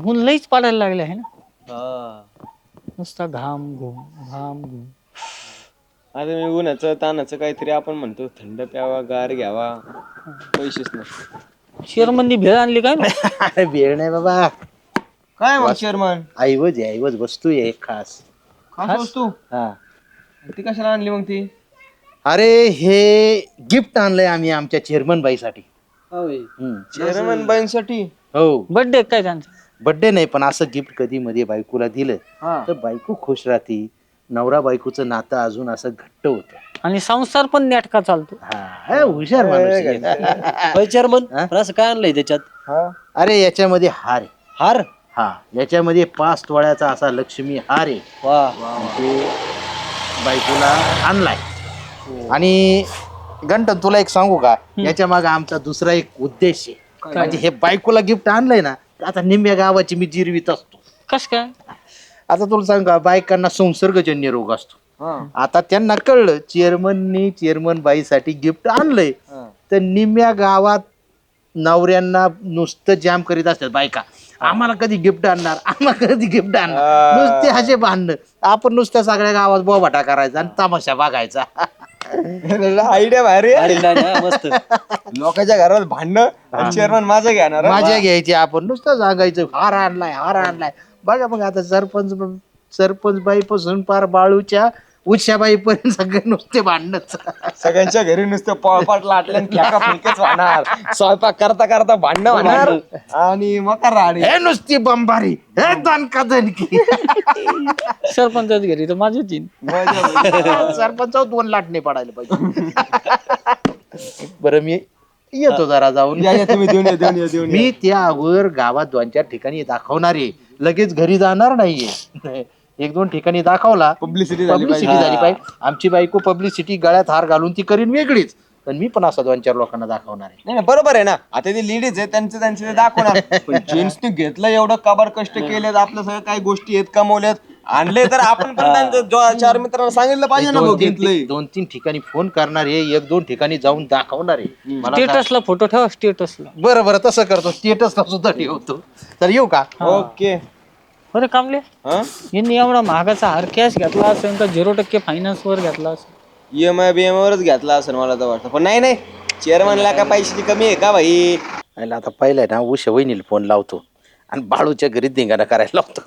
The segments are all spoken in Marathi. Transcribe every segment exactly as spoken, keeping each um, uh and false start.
ऊन लईच पडायला लागले आहे ना. हा नुसता घाम घुम घाम घुम. आता मी उन्हाचं तानाचं काहीतरी आपण म्हणतो थंड प्यावा गार घ्यावा पैसेच नाही. शेरमंदी भेळ आणली काय ना. अरे वेळ नाही बाबा. काय मग चेअरमन ऐवज आहे ऐवज वस्तू आहे एक खास. खास वस्तू हा ती कशाला आणली मग ती? अरे हे गिफ्ट आणलंय आम्ही आमच्या चेअरमन बाईसाठी. हम्म. चेअरमन बाईंसाठी? हो बर्थडे काय त्यांचा? बर्थडे नाही पण असं गिफ्ट कधी मध्ये बायकोला दिलं हा तर बायको खुश राहते. नवरा बायकोचं नातं अजून असं घट्ट होतं. आणि संसार पण नेटका चालतो. हा हुशार माणूस आहे. चेअरमन पण असं काय आणलंय त्याच्यात? हा अरे याच्यामध्ये हार आहे. हार? हा याच्यामध्ये पाच तोळ्याचा असा लक्ष्मी हार आहे. वा ते बायकोला आणलाय. आणि गंटन तुला एक सांगू का याच्या मागे आमचा दुसरा एक उद्देश आहे. म्हणजे हे बायकोला गिफ्ट आणलंय ना आता निम्म्या गावाची मी जिरवीत असतो. कस काय? आता तुला सांगू का बायकांना संसर्गजन्य रोग असतो. हा आता त्यांना कळलं चेअरमननी चेअरमन बाईसाठी गिफ्ट आणलंय तर निम्म्या गावात नवऱ्यांना नुसतं जाम करीत असतात बायका. आम्हाला कधी गिफ्ट आणणार आम्हाला कधी गिफ्ट आणणार नुसते हसे भांडणं. आपण नुसत्या सगळ्या गावात बोबाटा करायचा आणि तमाशा बघायचा. आयडिया भारी आहे. अरे नाही ना, मस्त. लोकांच्या घरात भांडणं चेअरमन माझं घेणार हा? माझ्या घ्यायची आपण नुसतं सांगायचं हार आणलाय हार आणलाय. बघा मग आता सरपंच सरपंच बाई पासून पार बाळूच्या उषाबाई पर्यंत सगळे नुसते भांडणच. सगळ्यांच्या घरी नुसतं पळपाट लाटल्या खेका फुलकेच होणार. स्वयंपाक करता करता भांडणं होणार आणि मग राणी हे नुसती बंबारी हे दणका दणकी. सरपंचाच घरी तर माझ्याच येईन. सरपंच दोन लाटणे पडायला पाहिजे. बरं मी येतो जरा जाऊन. या या तुम्ही देऊन या देऊन या देऊन या. मी त्या अगोदर गावात दोन चार ठिकाणी दाखवणार आहे. लगेच घरी जाणार नाहीये. एक दोन ठिकाणी दाखवला पब्लिसिटी झाली पब्लिसिटी पाहिजे. झाली पाहिजे. आमची बायको पब्लिसिटी गळ्यात हार घालून ती करीन वेगळीच पण मी पण असं दोन चार लोकांना दाखवणार आहे. नाही नाही, बरोबर आहे ना. आता ते लेडीज आहे त्यांचं त्यांचे ते दाखवणार. पण जेंट्सने घेतलं एवढं कबर कष्ट केलेत आपल्या सगळ्या काही गोष्टी आहेत कमवल्यात आणले तर आपण पण त्यांचं जो- चार मित्रांना सांगितलं पाहिजे ना भाऊ दोन तीन घेतलंय. दोन तीन ठिकाणी फोन करणार आहे एक दोन ठिकाणी जाऊन दाखवणार आहे. मला काय- स्टेटसला फोटो ठेवा स्टेटसला. बरं बरं तसं करतो स्टेटसला सुद्धा ठेवतो. तर येऊ का? ओके बरं कामले हा यांनी एवढा महागाचा हार कॅश घेतला असेल का झिरो टक्के फायनान्स वर घेतला असेल? ईएमआय बीएमआय वरच घेतला असेल मला तर वाटतं. पण नाही नाही चेअरमनला का पैशाची कमी आहे का भाई? आयला आता पहिलं ना उषा वहिनीला फोन लावतो आणि बाळूच्या घरी धिंगाणा करायला लावतो.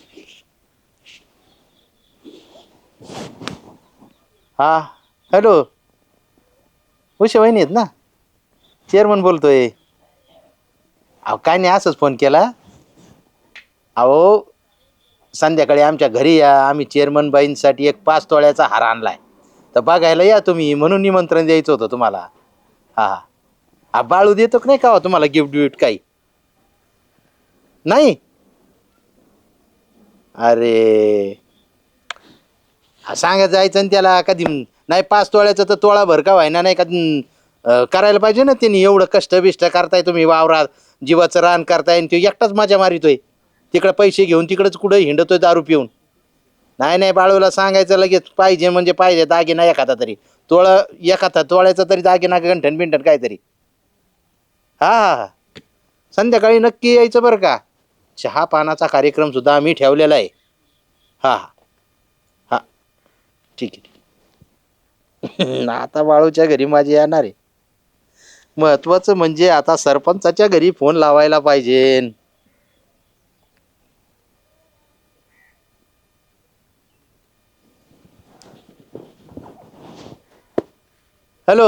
हा हॅलो उषा वहिनी आहेत ना? चेअरमन बोलतोय. अहो काय नाही असंच फोन केला. अहो संध्याकाळी आमच्या घरी या आम्ही चेअरमन बाईंसाठी एक पाच तोळ्याचा हार आणलाय तर बघायला या तुम्ही म्हणून निमंत्रण द्यायचं होतं तुम्हाला. हा हा बाळू देतो का नाही का तुम्हाला गिफ्ट बिफ्ट काही नाही? अरे सांगा जायचं आणि त्याला कधी नाही पाच तोळ्याचं तर तोळा भर का व्हायना नाही का अं, करायला पाहिजे ना त्यांनी. एवढं कष्ट बिष्ट करताय तुम्ही वावरात जीवाचं रान करताय आणि तो एकटाच मजा मारितोय तिकडे पैसे घेऊन तिकडेच कुठं हिंडतोय दारू पिऊन. नाही नाही बाळूला सांगायचं लगेच पाहिजे म्हणजे पाहिजे दागिना एखादा तरी तोळा एखादा तोळ्याचा तरी दागिना गंठन बिंठन काहीतरी. हा हा हा संध्याकाळी नक्की यायचं बरं का. चहा पानाचा कार्यक्रम सुद्धा आम्ही ठेवलेला आहे. हा हा हा ठीक आहे. आता बाळूच्या घरी माझी येणार आहे. महत्वाचं म्हणजे आता सरपंचाच्या घरी फोन लावायला पाहिजे. हॅलो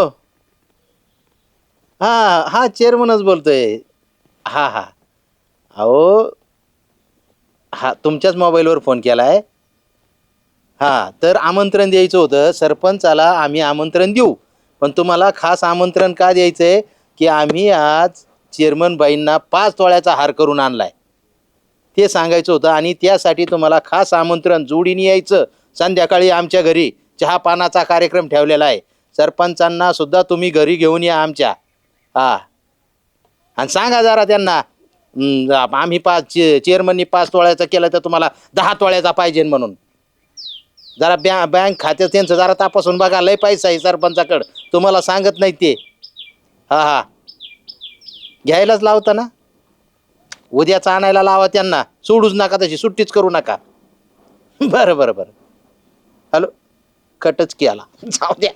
हा हा चेअरमनच बोलतोय. हा हा अहो हा तुमच्याच मोबाईलवर फोन केला आहे. हा तर आमंत्रण द्यायचं होतं सरपंचाला आम्ही आमंत्रण देऊ पण तुम्हाला खास आमंत्रण का द्यायचं आहे की आम्ही आज चेअरमन बाईंना पाच तोळ्याचा हार करून आणलाय ते सांगायचं होतं आणि त्यासाठी तुम्हाला खास आमंत्रण जोडीने यायचं. संध्याकाळी आमच्या घरी चहा पानाचा कार्यक्रम ठेवलेला आहे. सरपंचांना सुद्धा तुम्ही घरी घेऊन या आमच्या. हा आणि सांगा जरा त्यांना हम्म, आम्ही पाच चेअरमननी पाच तोळ्याचा केलं तर तुम्हाला दहा तोळ्याचा पाहिजे म्हणून. जरा बँक बँक खात्यात त्यांचं जरा तपासून बघा. लय पैसा आहे सरपंचाकडं तुम्हाला सांगत नाही ते. हा हा घ्यायलाच लावता ना. उद्याच आणायला लावा त्यांना, सोडूच नका तशी, सुट्टीच करू नका. बरं बरं बरं. हॅलो, कटच केला, जाऊ द्या.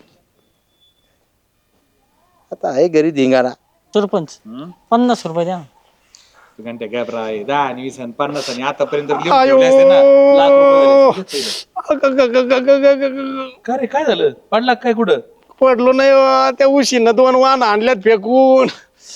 आता आहे घरी धिंगाणा. सरपंच पन्नास रुपये द्या ना. घंटे गॅप राय दहा आणि वीस आणि पन्नास आणि आतापर्यंत लिहून ठेवले असते ना लाख रुपये झाले असते. का रे काय झालं, पडला काय कुठं? पडलो नाही बा. त्या उशीनं दोन वाहन आणल्यात फेकून.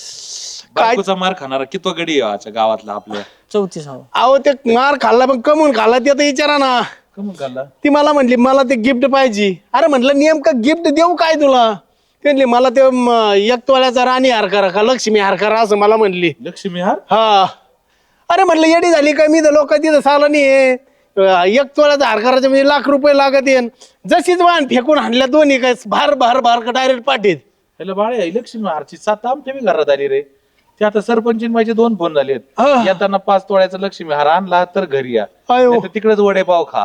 बायकोचा मार खाणारा कितवा गडी आहे आजच्या गावातला आपल्या? चौतीस हवं. अहो ते मार खाल्ला पण कमवून खाल्ला ते आता विचारा ना. कमून खाल्ला? ती मला म्हणली मला ते गिफ्ट पाहिजे. अरे म्हटलं नेमकं गिफ्ट देऊ काय तुला? ते म्हणली मला ते म, एक तोळ्याचा राणी हार करा का लक्ष्मी हार करा असं मला म्हणली. लक्ष्मी हार? हा. अरे म्हटलं येडी झाली का? मी तर लोक तिथं साला नाही. एक तोळ्याचा हार करायचं म्हणजे लाख रुपये लागत येईन. जशीच वाहन फेकून आणल्या दोन्ही काय भार भार भार का डायरेक्ट पाठीत. हॅलो बाळे, लक्ष्मी हारची सात आमच्या बी घरात आली रे. ते आता सरपंच माझे दोन फोन झालेत. हा. येताना पाच तोळ्याचा लक्ष्मी हार आणला तर घरी या, अयो. नाहीतर तिकडेच वडे पाव खा.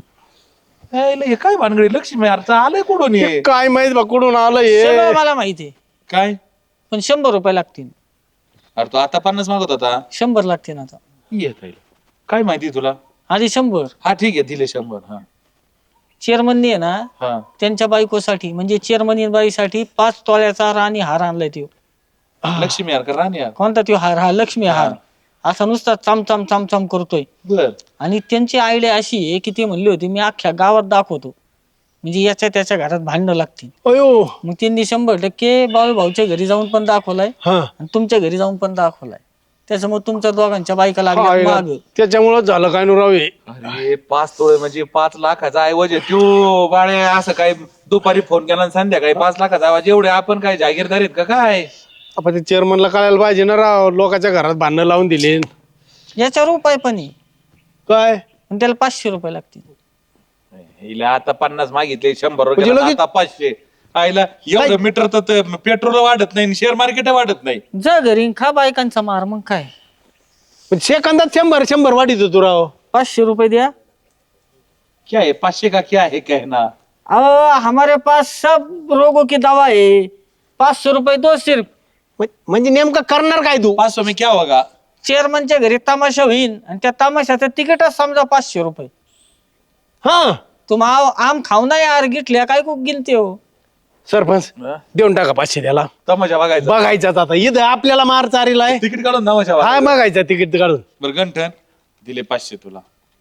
यायला हे काय भानगडी लक्ष्मी हारचा आलंय कुठून हे? काय माहित बा कुठून आलं हे. सगळं मला माहिती आहे, काय? पण शंभर रुपये लागतील. अरे तो आता पन्नास मागत होता. शंभर लागतील आता. येत आहे. काय माहिती तुला? आधी शंभर. हा ठीक आहे, दिले शंभर. हा चेअरमननी आहे ना हा त्यांच्या बायकोसाठी म्हणजे चेअरमनी बाईसाठी पाच तोळ्याचा राणी हार आणलाय त्यो. लक्ष्मी हार का राणी हार? कोणता त्यो हार? हा लक्ष्मी हार. असा नुसता चामचाम चामचाम करतोय. बर. आणि त्यांची आयडिया अशी आहे की ते म्हणले होते मी अख्ख्या गावात दाखवतो, म्हणजे याच्या त्याच्या घरात भांडणं लागतील. अयो. मग त्यांनी शंभर टक्के बाळू भाऊच्या घरी जाऊन पण दाखवलाय हा. आणि तुमच्या घरी जाऊन पण दाखवलाय. त्याच्यामुळे तुमच्या दोघांच्या बायका लागल्या माग. त्याच्यामुळेच झालं काय नुरावे. अरे पाच तोळे म्हणजे पाच लाखाचा ऐवज आहे त्यो बाळे. असं काय दुपारी फोन केला आणि संध्याकाळी पाच लाखाचा ऐवज? एवढे आपण काय जागीरदार आहेत का काय? आपण ते चेअरमनला कळायला पाहिजे ना राव. लोकांच्या घरात भांडणं लावून दिले. याच्यावर उपाय पण आहे, काय पण त्याला पाचशे रुपये लागतील. हिला आता पन्नास मागितले, शंभर म्हणजे रुपये लगेच- आता पाचशे. आईला एवढं मीटर तर पेट्रोल वाढत नाही, शेअर मार्केट वाढत नाही. जा घरी खा बायकांचा मार. मग काय, पण सेकंदात शंभर शंभर वाढीत होतो राव. पाचशे रुपये द्या. क्या है पाचशे का क्या है कहना? अहो हमारे पास सब रोगों की दवा है, पाच सौ रुपये दो सिर्फ. म्हण- म्हणजे नेमकं करणार काय तू? पाच सौ में क्या होगा? चेअरमनच्या घरी तमाशा होईल आणि त्या तमाशाचं तिकीटच समजा पाचशे रुपये. हा. तुम आव आम खाऊ ना यार, गिटल्या काय खूप गिनते हो. सरपंच देऊन टाका पाचशे त्याला. तमाशा बघायचा. बघायचाच आता इथं आपल्याला मार चारीला आहे. तिकीट काढून तमाशा हा बघायचा. बघायचं तिकीट काढून. बरं गंठन दिले पाचशे तुला.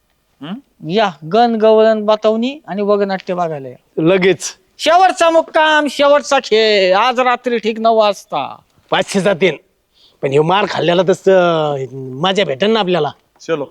या गण गवळण बतावणी आणि वगनाट्य बघायला या. लगेच शेवटचा मुक्काम, शेवटचा खेळ आज रात्री ठीक नऊ वाजता. पाचशे जातील. पण हे मार खाल्ल्याला तस मजा भेटेल ना आपल्याला. चलो.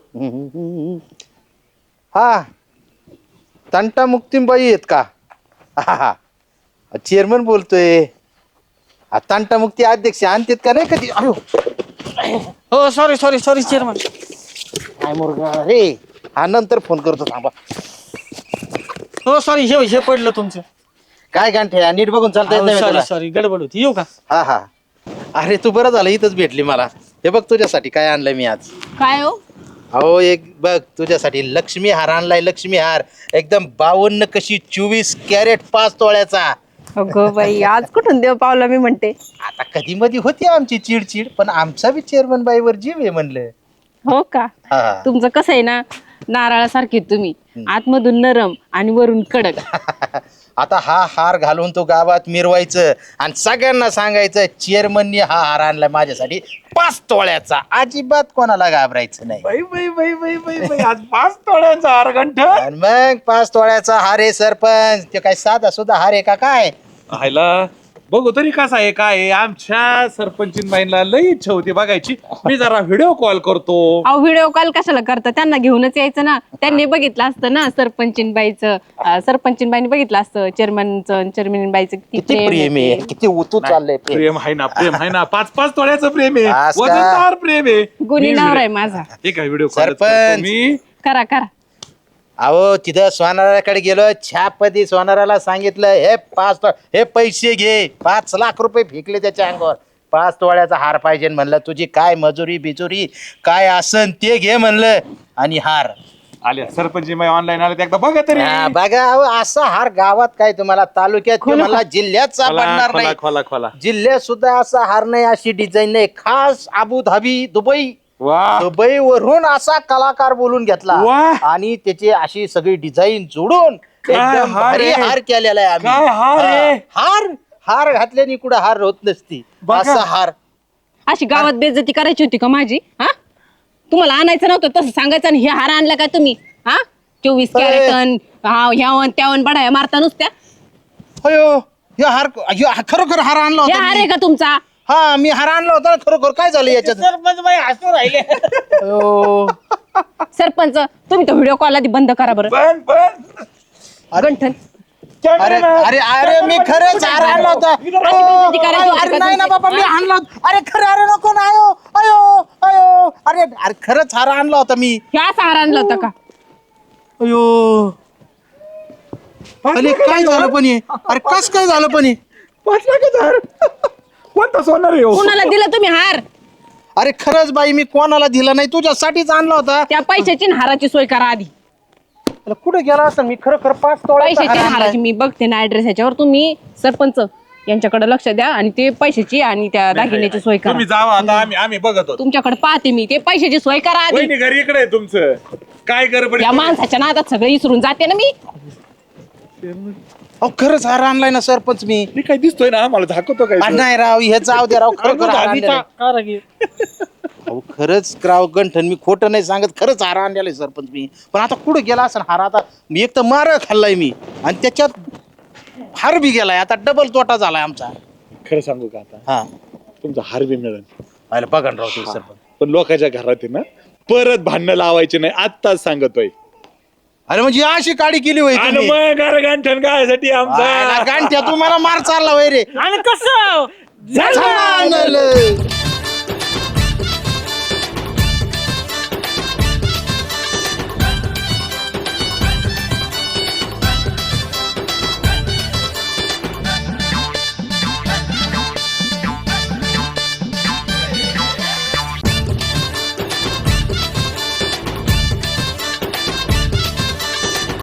हा, तंटा मुक्तीबाई आहेत का? हा हा, चेअरमन बोलतोय. हा, तंटा मुक्ती अध्यक्ष आणतात का नाही कधी? अयो, हो सॉरी सॉरी सॉरी चेअरमन. काय मुर्गा रे. हा नंतर फोन करतो, थांबा. हो सॉरी, हे हे पडलं तुमचं. काय गांठे, नीट बघून चालता येत नाही सॉरी तुला? सॉरी गडबड होती. येऊ का? हा हा. अरे तू बरं झालं इथंच भेटली मला. हे बघ तुझ्यासाठी काय आणलंय मी आज. काय हो? अहो एक बघ तुझ्यासाठी लक्ष्मी हार आणलाय. लक्ष्मी हार एकदम बावन्न कशी चोवीस कॅरेट पाच तोळ्याचा. अगं बाई, आज कुठून देव पावला मी म्हणते. आता कधी मध्ये होती आमची चिडचिड, पण आमचा बी चेअरमन बाईवर जीव आहे म्हणलं. हो का? हा. तुमचं कसं आहे ना, नारळासारखे तुम्ही आतमधून नरम आणि वरून कडक. आता हा हार घालून तो गावात मिरवायचं आणि सगळ्यांना सांगायचं चेअरमननी हा हार आणलाय माझ्यासाठी पाच तोळ्याचा. अजिबात कोणाला घाबरायचं नाही. बाई बाई बाई बाई बाई बाई आज पाच तोड्यांचा हार गंठन. आणि मग पाच तोळ्याचा हार आहे सरपंच. ते काय साधा सुद्धा हार आहे का काय? हायला बघू तरी कसा आहे काय आहे. आमच्या सरपंचीनबाईंना लई इच्छा होती बघायची. मी जरा व्हिडिओ कॉल करतो. अहो व्हिडिओ कॉल कशाला करता? त्यांना घेऊनच यायचं ना. त्यांनी बघितलं असतं ना सरपंचीनबाईचं, अं, सरपंचीनबाईंनी बघितलं असतं चेअरमनचं, चेअरमनबाईचं किती प्रेम आहे, किती उतू चाललंय प्रेम. प्रेम आहे ना, प्रेम आहे ना. पाच पाच तोड्याचं प्रेम आहे, आज का? वजनदार प्रेम आहे. गुन्हे नवरा आहे माझा. ठीक आहे व्हिडिओ कॉल सरपंच. मी. करा करा. अहो तिथं सोनाराकडे गेलो, छापदी सोनाराला सांगितलं हे पाच तो- हे पैसे घे. पाच लाख रुपये फेकले त्याच्या अंगावर. पाच तोळ्याचा हार पाहिजे म्हणलं. तुझी काय मजुरी बिजुरी काय असन ते घे म्हणलं आणि हार. आल्या सरपंचीनबाई ऑनलाईन आले एकदा बघा तरी. हा, बघा अहो, असा हार गावात काय तुम्हाला तालुक्यात किंवा मला जिल्ह्यात सापडणार खोला नाही. खोला खोला. जिल्ह्यात सुद्धा असा हार नाही, अशी डिझाईन नाही. खास अबुधाबी दुबई वा दुबईवरून असा कलाकार बोलून घेतला वाह. आणि त्याची अशी सगळी डिझाईन जोडून काय एकदम हार भारी आहे. हार केलेला आहे काय हार आम्ही आहे. हा, हार हार घातल्याने कुठं हार होत नसती बघा. असा हार अशी गावात बेइज्जती करायची होती का माझी? हा तुम्हाला आणायचं नव्हतं तसं सांगायचं आणि हे हार आणला का तुम्ही? हा चोवीस कॅरेटन हा ह्यावन त्यावन बडाया मारता नुसत्या. अयो हे हार ह्यो खरोखर हार आणला हे होता हार मी. आहे का तुमचा? हा मी हार आणला होता ना, खरोखर काय झालं याच्यात सरपंच बाई हसू राहिले. अयो. सरपंच तुम्ही तो व्हिडिओ कॉल आधी बंद करा बरं. पण पण गंठन अरे अरे अरे मी खरंच हार आणला होता बेइज्जती करायची अयो, होती अरे का नाही ना तुमची? बाबा मी आणला होता. अरे खरं अरे नको ना अयो अयो अयो अरे अरे खरंच हार आणला होता मी ह्या असा हार आणला होता का? अयो अरे काय झालं पण हे? अरे कस काय झालं पण हे? पाच लाखाचा हार कोणता सोनार आहे हो? कुणाला दिला तुम्ही हार? अरे खरंच बाई मी कोणाला दिला नाही तुझ्यासाठीच आणला होता त्या पैशाची आणि हाराची सोय करा आधी. अरे कुठे गेला असं मी खरं खरं पाच तोळ्याचा पैशाची हार आणि आणलाय. हाराची मी बघते ना ऍड्रेस ह्याच्यावर. तुम्ही सरपंच यांच्याकडे लक्ष द्या आणि ते पैशाची आणि त्या दागिन्याची सोय करा. तुम्ही जावा आता आम्ही आम्ही बघत होतो. तुमच्याकडे पाहते मी ते पैशाची सोय करा आधी. वहिनी घरी इकडे आहे तुमचं काय गडबड या माणसाच्या नादात सगळं विसरून जाते ना मी. अहो खरंच हार आणलाय ना सरपंच मी मी काय दिसतोय ना आम्हाला झाकवतो काय अरे नाही राव हे जाऊ दे राव खरं खरं हार आणलेलं आहे. अहो खरंच राव गंठन मी खोटं नाही सांगत खरंच हार आणलेला आहे सरपंच मी. पण आता कुठं गेला असं हार आता मी एक तर मार खाल्लाय मी आणि त्याच्यात हार बी गेलाय आता डबल तोटा झालाय आमचा. खरं सांगू का आता हा तुमचा हार बी मिळेल पाहिलं बघा ना राव ते सरपंच. पण लोकांच्या घरात आहे ना परत भांडणं लावायचे नाही आत्ताच सांगतोय. अरे म्हणजे अशी काडी केली होई आणि तुम्ही? मग गारगांठण गायसाठी आयला आमचा गांठ्या तुम्हाला मार चालला वय रे आणि कसं झालं.